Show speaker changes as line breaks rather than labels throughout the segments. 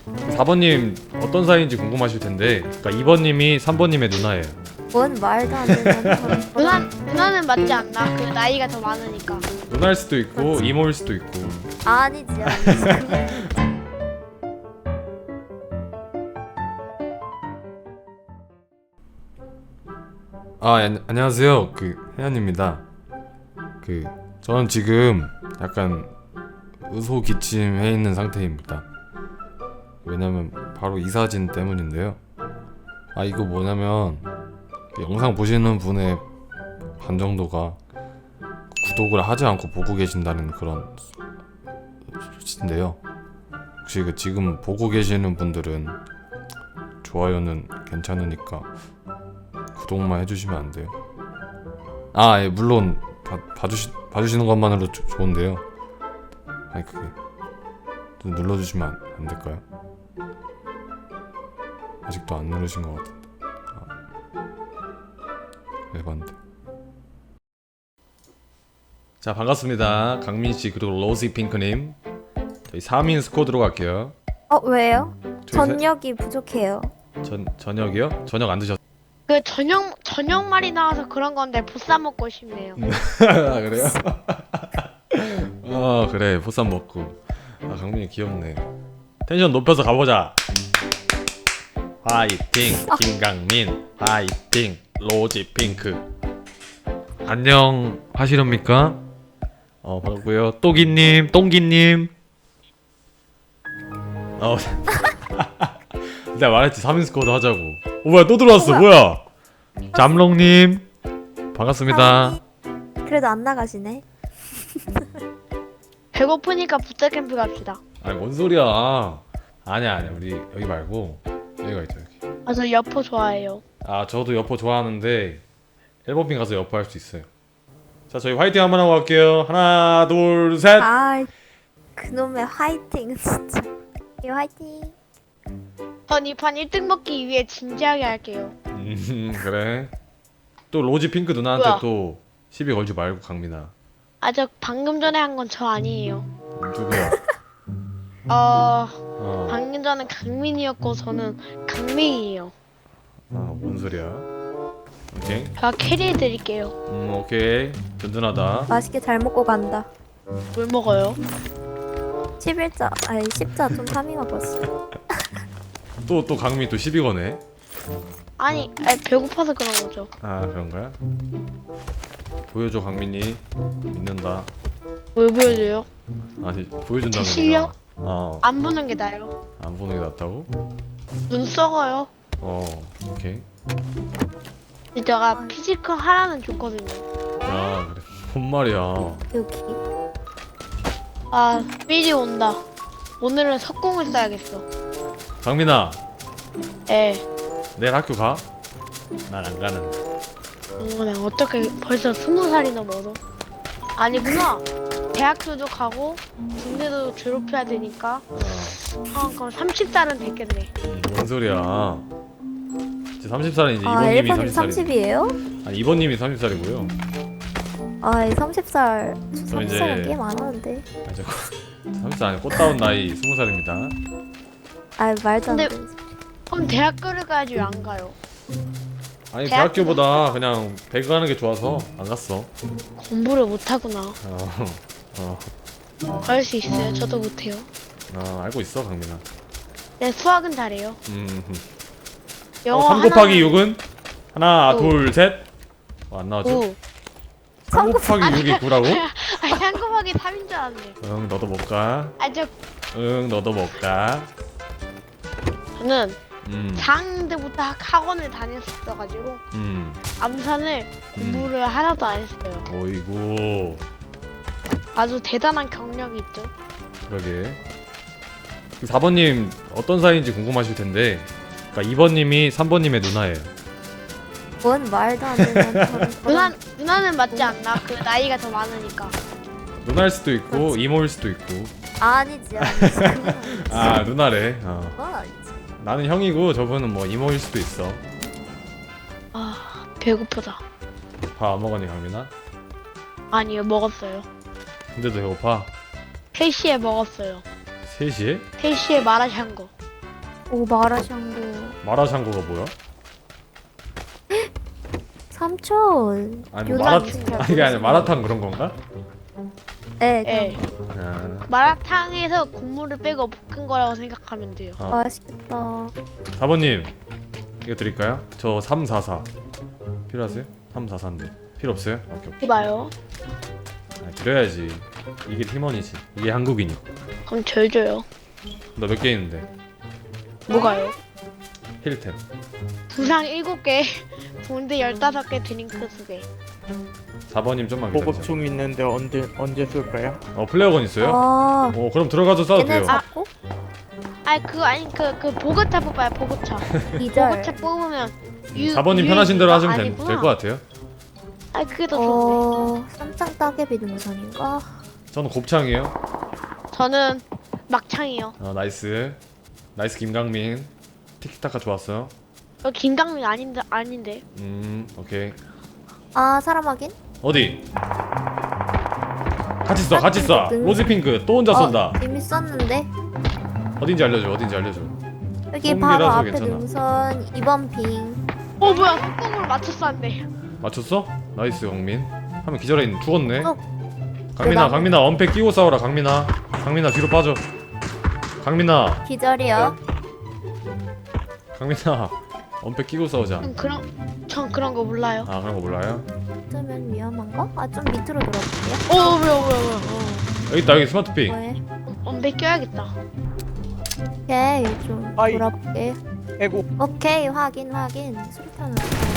4번님 어떤 사이인지 궁금하실 텐데, 그러니까 2번님이 3번님의 누나예요.
뭔 말도 안 되는
누나는 맞지 않나? 그 나이가 더 많으니까.
누나일 수도 있고
그렇지.
이모일 수도 있고.
아니지.
안녕하세요. 혜연입니다. 저는 지금 약간 의소기침해 있는 상태입니다. 왜냐면 바로 이 사진 때문인데요. 이거 뭐냐면 영상 보시는 분의 반 정도가 구독을 하지 않고 보고 계신다는 그런 수치인데요. 혹시 지금 보고 계시는 분들은 좋아요는 괜찮으니까 구독만 해주시면 안 돼요? 예, 물론 봐주시는 것만으로 좋은데요. 그게 좀 눌러주시면 안 될까요? 아직도 안 누르신 것 같은데. 에반데. 자, 반갑습니다. 강민씨 그리고 로지핑크님. 저희 3인 스쿼드로 갈게요.
왜요?
저희
전력이 부족해요.
저녁이요? 저녁 안 드셨어요?
그 저녁 말이 나와서 그런 건데 보쌈 먹고 싶네요.
그래요? 그래, 보쌈 먹고. 강민이 귀엽네. 텐션 높여서 가보자. 화이팅 김강민, 화이팅 로지핑크. 안녕 하시렵니까? 반갑고요. 똥기님. 내가 말했지 3인 스쿼드 하자고. 뭐야, 또 들어왔어. 뭐야? 잠롱님 반갑습니다.
그래도 안 나가시네.
배고프니까 부탁캠프 갑시다.
뭔 소리야. 아니야 우리 여기 말고 여기가 있죠. 여기.
저 여포 좋아해요.
저도 여포 좋아하는데 앨범핑 가서 여포 할 수 있어요. 자, 저희 화이팅 한번 하고 갈게요. 하나 둘 셋.
그놈의 화이팅 진짜. 화이팅.
전 이 판 1등 먹기 위해 진지하게 할게요.
그래. 또 로지핑크 누나한테
뭐야?
또 시비 걸지 말고 강민아.
저 방금 전에 한 건 저 아니에요.
누구야?
방금 전에 강민이었고 저는 강민이에요.
뭔 소리야? 오케이.
제가 캐리해드릴게요.
오케이. 든든하다.
맛있게 잘 먹고 간다.
뭘 먹어요?
10자 좀 파밍하고
또 강민 또 시비 거네.
아니 배고파서 그런 거죠.
그런 거야? 보여줘 강민이. 믿는다.
뭘 보여줘요?
보여준다는
제 실력?
거야.
안 보는 게 나아요.
안 보는 게 낫다고?
눈 썩어요.
오케이.
제가 피지컬 하라는 줬거든요.
그래. 뭔 말이야.
여기.
삐리 온다. 오늘은 석공을 써야겠어.
강민아,
예.
내일 학교 가? 난 안 가는데.
난 어떻게 벌써 20살이 넘어서? 아니구나. 대학교도 가고 군대도 졸업해야 되니까 그럼 30살은 됐겠네.
뭔 소리야. 이제 30살은 이제 이번님이
1번님
30살이고.
30이에요?
이번님이 30살이고요.
30살.
저 이제
30살은 꽤 많았는데.
30살 아니 꽃다운 나이 20살입니다.
말도 안
근데-
돼.
그럼 대학교를 가야지 왜 안 가요?
대학교보다 그냥 배그 가는 게 좋아서 안 갔어.
공부를 못하구나.
어,
그럴 수 있어요. 저도 못해요.
알고 있어 강민아.
네, 수학은 잘해요. 영어
3 곱하기
하나는
6은? 하나
오.
둘 셋. 안 나와줘?
9.
3 곱하기 6이 9라고?
3 곱하기 3인 줄 알았네.
응, 너도 못 가. 너도 못 가.
저는
음.
4학년 때부터 학원을 다녔었어가지고 암산을 공부를 하나도 안 했어요.
어이구.
아주 대단한 경력이 있죠.
그러게. 4번님 어떤 사이인지 궁금하실 텐데, 그러니까 2번님이 3번님의 누나예요.
뭔 말도 안 되는
누나는 맞지 않나? 그 나이가 더 많으니까.
누나일 수도 있고 이모일 수도 있고.
아니지.
누나래.
아니지.
나는 형이고 저분은 뭐 이모일 수도 있어.
배고프다.
밥 안 먹었니 강민아?
아니요, 먹었어요.
근데도 배고파?
3시에 먹었어요.
3시에?
3시에 마라샹궈.
오 마라샹궈.
마라샹궈가 뭐야?
삼촌.
아니 뭐
요즘
아니 이게 아니라 마라탕 그런 건가?
네.
예.
아,
마라탕에서 국물을 빼고 볶은 거라고 생각하면 돼요.
맛있겠다.
4번님 이거 드릴까요? 저 344 필요하세요? 344인데 필요 없어요? 오케이 오케이.
해봐요.
아, 드려야지. 이게 팀원이지. 이게 한국인이.
그럼 절 줘요.
너 몇 개 있는데?
뭐가요?
힐템.
부상 7개, 본드 15개, 드링크 2개.
4번님 좀만 기다리세요.
보급총 있는데 언제 쏠까요?
플레어건 있어요?
아.
그럼 들어가서 싸도
얘네
돼요.
잡고
그 보급차 뽑아요, 보급차.
기절.
보급차 뽑으면
4번님 편하신 대로 하시면 될 것 같아요.
그게 더 좋은데.
삼창 따개비 능선인가?
저는 곱창이에요.
저는 막창이요.
나이스. 나이스 김강민. 티키타카 좋았어요.
김강민 아닌데.
오케이.
아 사람 확인?
어디? 같이 써, 같이 써. 로즈핑크 또 혼자 쏜다.
이미 썼는데
어딘지 알려줘, 어딘지 알려줘.
여기 바로
홈이라서
앞에
괜찮아.
능선 2번 핑.
뭐야, 콧구멍을 맞췄어 안 돼.
맞췄어? 나이스 강민. 하면 기절해 있는 죽었네.
대박.
강민아 언패 끼고 싸워라. 강민아 뒤로 빠져. 강민아
기절이요.
언패 끼고 싸우자.
전 그런 거 몰라요.
아 그런 거 몰라요?
어쩌면 위험한가? 아 좀 밑으로 돌아볼게요.
뭐야.
여기 있다. 여기 스마트핑.
왜?
엄배 껴야겠다.
오케이 좀
아이.
돌아볼게.
에고.
오케이 확인. 수류탄은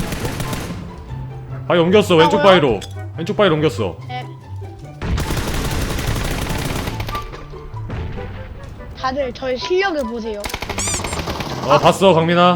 바위 옮겼어. 왼쪽
뭐야?
바위로. 왼쪽 바위로 옮겼어.
다들 저의 실력을 보세요.
봤어 강민아.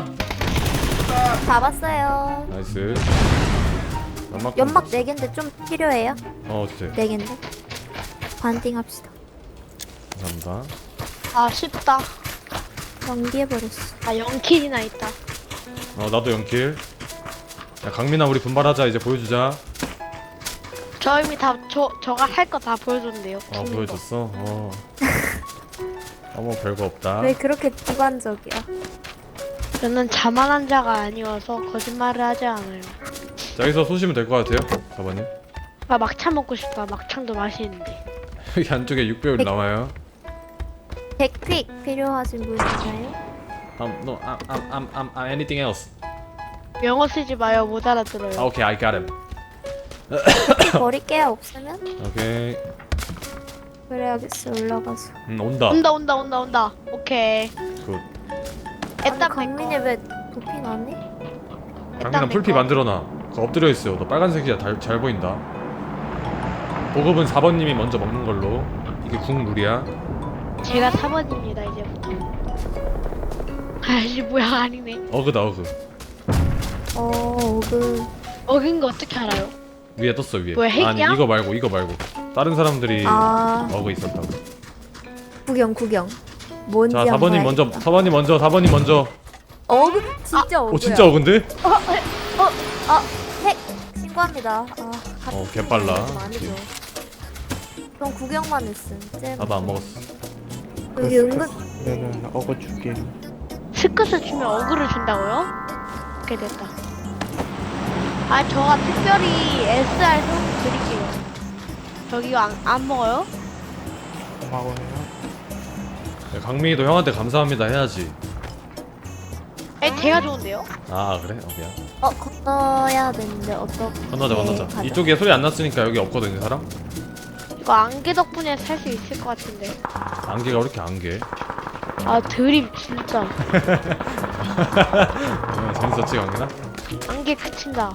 잡았어요.
나이스.
연막 4개인데 좀 필요해요?
주세요.
4개인데 반띵 합시다.
감사합니다.
쉽다.
연기해버렸어.
0킬이나 있다.
나도 연킬. 야 강민아 우리 분발하자. 이제 보여주자.
저 이미 저가 할 거 다 보여줬는데요.
보여줬어. 뭐 별거 없다.
왜 그렇게 비관적이야?
저는 자만한 자가 아니어서 거짓말을 하지 않아요.
자, 여기서 쏘시면 될 것 같아요. 4번님.
막창 먹고 싶다. 막창도 맛있는데.
여기 안쪽에 6배율 나와요.
백픽 필요하신 분 있나요?
No, anything else.
영어 쓰지 마요. 못 알아들어요.
Okay, I got him.
버릴게요 없으면?
오케이.
그래야겠어 올라가서.
온다.
온다. 오케이.
굿.
아니 강민이 왜 도피 나니?
강민아 풀피 만들어놔. 그거 엎드려 있어요. 너 빨간색이야. 잘 보인다. 보급은 4번님이 먼저 먹는 걸로. 이게 국룰이야.
제가 4번입니다 이제부터. 아씨 뭐야 아니네.
어그다 어그.
어긴 거 어떻게 알아요?
위에 떴어 위에.
뭐야, 핵이야?
아니 이거 말고. 다른 사람들이
아
어그 있었다고.
구경. 뭔지
자
한번
4번님 먼저.
봐야겠다.
4번님 먼저.
어그 진짜 어그야.
진짜 어근데?
핵 신고합니다.
개빨라.
아니죠. 그럼 구경만 했음. 잼.
나도 안 먹었어.
여기 은근
그러면 어거 줄게요.
스크스 주면 어그를 준다고요? 오케이 됐다. 저가 특별히 SR 송 드릴게요. 저기 이거 안 먹어요?
고마워요.
야, 강민이도 형한테 감사합니다 해야지.
제가 좋은데요?
그래? 미안.
건너야 되는데 어떻게?
건너자.
가자.
이쪽에 소리 안 났으니까 여기 없거든요 사람?
이거 안개 덕분에 살 수 있을 것 같은데.
안개가 왜 이렇게 안개?
드립 진짜.
재밌었지 강민아?
안개 그친다.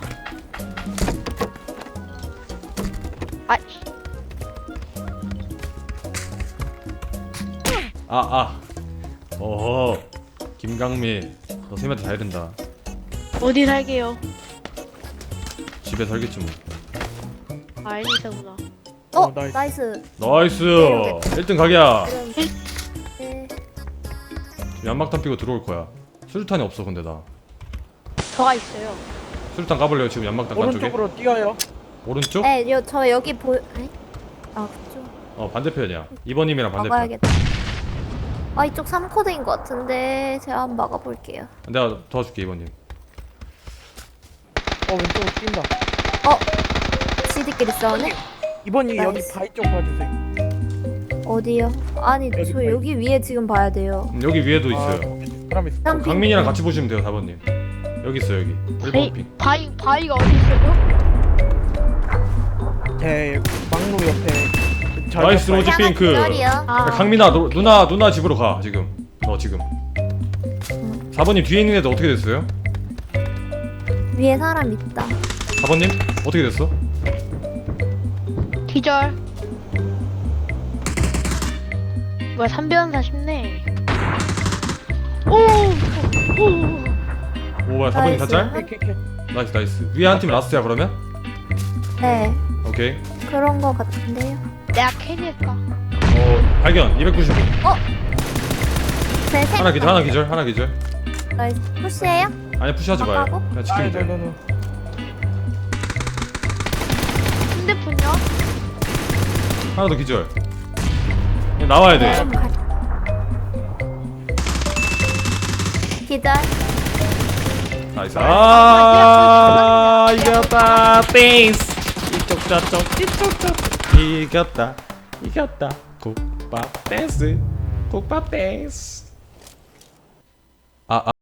어허 김강민 너 쌤한테 다 이른다.
어디 살게요?
집에 살겠지 뭐.
애니서구나.
나이스.
나이스
네,
1등 각이야.
네.
연막탄 피고 들어올 거야. 수류탄이 없어 근데 나.
저가 있어요.
수류탄 까볼래요 지금 연막탄 깐 쪽에?
오른쪽으로 뛰어요.
오른쪽?
네, 저 여기 그쪽.
반대편이야. 2번님이랑 반대편.
먹어야겠다. 아 이쪽 3코드인 것 같은데 제가 한번 막아볼게요.
내가 도와줄게 2번님.
왼쪽으로 뛴다.
지들끼리 싸우네?
이번이 여기
나이스.
바위 쪽 봐주세요.
어디요? 아니
여기
저
바위.
여기 위에 지금 봐야 돼요.
여기 위에도 있어요.
사람 있어.
쌍-
강민이랑 같이 보시면 돼요 4번님. 여기 있어요 여기. 1번 핑.
바위가 어디 있어요?
제 막루 옆에.
나이스 로즈
하나
핑크.
기다려.
아,
강민아 누나 집으로 가 지금. 너 지금. 4번님 뒤에 있는 애들 어떻게 됐어요?
위에 사람 있다.
4번님 어떻게 됐어?
기절. 뭐야 3변사 쉽네. 오.
오 뭐야 4번님 다 짤?
나이스.
캐캐캐.
나이스 나이스. 위에 한 팀 라스트야 그러면?
네
오케이.
그런 거 같은데요.
내가 캐리할까?
발견 295.
네, 셋.
하나 기절 하나 기절.
나이스. 푸시해요?
아니 푸시하지 마요.
하고?
그냥 지키면 돼.
노노노.
핸드폰요?
하나 더 기절. 그냥 나와야 돼.
좀 갈. 기절.
나이스. 아 이겼다. 땡스. 이쪽 저쪽 이겼다. 국밥 댄스. 국밥 댄스.